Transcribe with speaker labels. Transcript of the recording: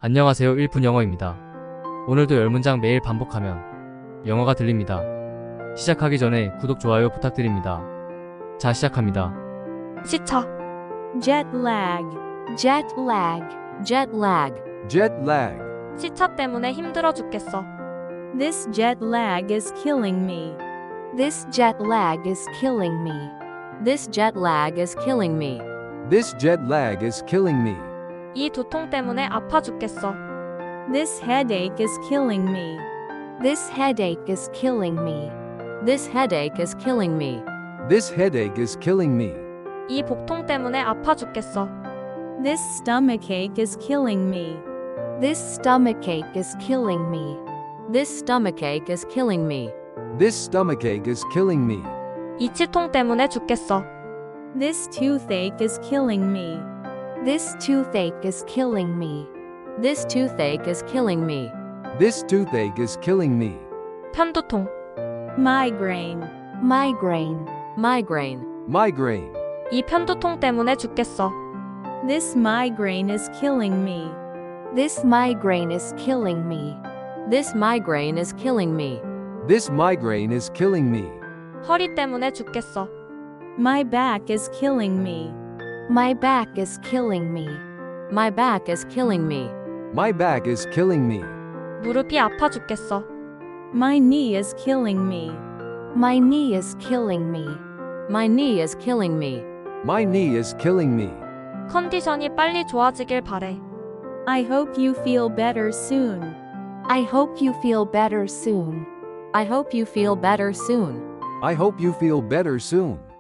Speaker 1: 안녕하세요. 1분 영어입니다. 오늘도 10문장 매일 반복하면 영어가 들립니다. 시작하기 전에 구독, 좋아요 부탁드립니다. 자, 시작합니다.
Speaker 2: 시차,
Speaker 3: jet lag,
Speaker 2: jet lag, jet lag.
Speaker 4: Jet lag.
Speaker 2: 시차 때문에 힘들어 죽겠어.
Speaker 3: this jet lag is killing me.
Speaker 2: This jet lag is killing me. This jet lag is killing me.
Speaker 4: This jet lag is killing me.
Speaker 2: 이 두통 때문에 아파 죽겠어.
Speaker 3: This headache is killing me.
Speaker 2: This headache is killing me. This headache is killing me.
Speaker 4: This headache is killing me.
Speaker 2: 이 복통 때문에 아파 죽겠어.
Speaker 3: This stomachache is killing me.
Speaker 2: This stomachache is killing me. This stomachache is killing me.
Speaker 4: This stomachache is killing me.
Speaker 2: 이 치통 때문에 죽겠어.
Speaker 3: This toothache is killing me.
Speaker 2: This toothache is killing me. This toothache is killing me.
Speaker 4: This toothache is killing me.
Speaker 2: 편두통,
Speaker 3: migraine,
Speaker 2: migraine, migraine.
Speaker 4: Migraine.
Speaker 2: 이 편두통 때문에 죽겠어.
Speaker 3: this migraine is killing me.
Speaker 2: This migraine is killing me. This migraine is killing me.
Speaker 4: This migraine is killing me.
Speaker 2: 허리 때문에 죽겠어.
Speaker 3: my back is killing me.
Speaker 2: My back is killing me. My back is killing me.
Speaker 4: My back is killing me.
Speaker 2: 무릎이 아파 죽겠어.
Speaker 3: my knee is killing me.
Speaker 2: My knee is killing me. My knee is killing me.
Speaker 4: My knee is killing me.
Speaker 2: 컨디션이 빨리 좋아지길 바래.
Speaker 3: I hope you feel better soon.
Speaker 2: I hope you feel better soon. I hope you feel better soon.
Speaker 4: I hope you feel better soon.